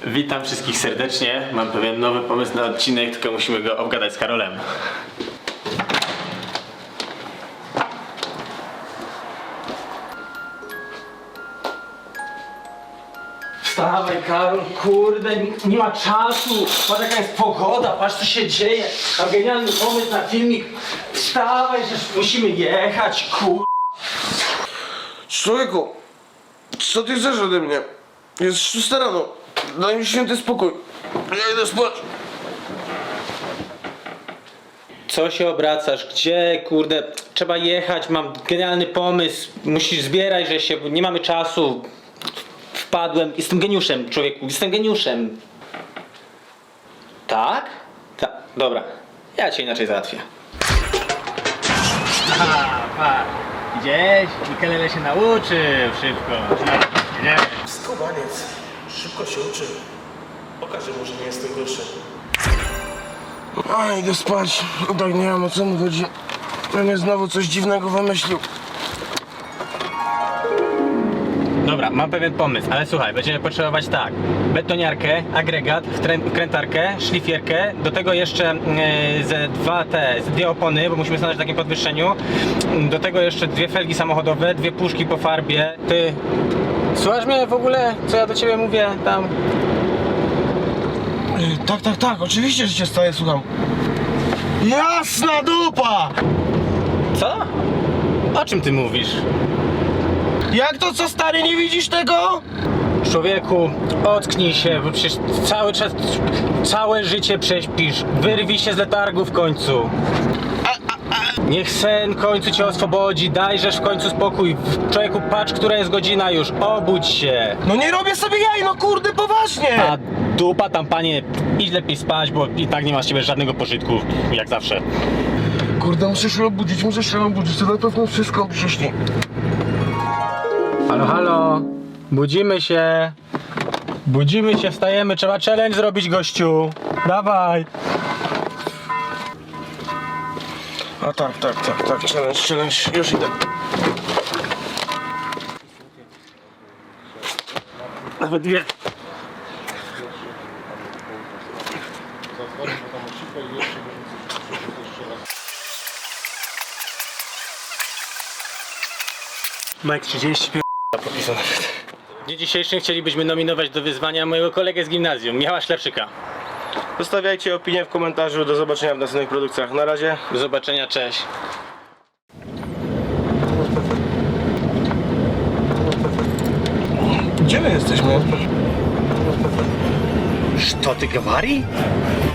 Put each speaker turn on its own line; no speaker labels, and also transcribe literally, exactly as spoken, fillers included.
Witam wszystkich serdecznie. Mam pewien nowy pomysł na odcinek, tylko musimy go obgadać z Karolem.
Wstawaj, Karol, kurde, nie, nie ma czasu. Patrz jaka jest pogoda, patrz co się dzieje. Mam genialny pomysł na filmik. Wstawaj, że musimy jechać, kur...
Człowieku, co ty chcesz ode mnie? Jest szósta rano. Daj mi święty spokój. Ja idę spać.
Co się obracasz? Gdzie, kurde? Trzeba jechać, mam genialny pomysł. Musisz zbierać, że się... Nie mamy czasu. Wpadłem. Jestem geniuszem, człowieku. Jestem geniuszem. Tak? Tak. Dobra. Ja cię inaczej załatwię.
Aha, pa. Gdzieś? Mikelele się nauczył szybko. Nie?
Skubaniec. Szybko się uczy. Pokażę mu, że nie jestem gorszy. A, idę spać. Tak nie wiem, o co mu chodzi. Pewnie znowu coś dziwnego wymyślił.
Dobra, mam pewien pomysł, ale słuchaj, będziemy potrzebować tak: betoniarkę, agregat, wtrę- wkrętarkę, szlifierkę, do tego jeszcze yy, ze dwa te, ze dwie opony, bo musimy stanąć w takim podwyższeniu, do tego jeszcze dwie felgi samochodowe, dwie puszki po farbie. Ty, słuchasz mnie w ogóle, co ja do ciebie mówię tam?
Yy, tak, tak, tak, oczywiście, że cię staję, słucham. Jasna dupa!
Co? O czym ty mówisz?
Jak to, co stary, nie widzisz tego?
Człowieku, ocknij się, bo przecież cały czas, całe życie prześpisz. Wyrwij się z letargu w końcu. Niech sen w końcu cię oswobodzi, dajżesz w końcu spokój. Człowieku, patrz, która jest godzina już, obudź się.
No nie robię sobie jaj, no kurde, poważnie!
A dupa tam, panie, idź lepiej spać, bo i tak nie ma z ciebie żadnego pożytku, jak zawsze.
Kurde, muszę się obudzić, muszę się obudzić, to na pewno wszystko mi się śni.
Halo, halo, budzimy się. Budzimy się, wstajemy, trzeba challenge zrobić, gościu. Dawaj.
A tak, tak, tak, tak, challenge, challenge, już idę.
Nawet dwie. Mike trzydzieści pięć podpisał nawet. W dniu dzisiejszym chcielibyśmy nominować do wyzwania mojego kolegę z gimnazjum, Michała Szlepszyka.
Zostawiajcie opinię w komentarzu, do zobaczenia w następnych produkcjach. Na razie.
Do zobaczenia, cześć.
Gdzie my jesteśmy?
Co ty говори?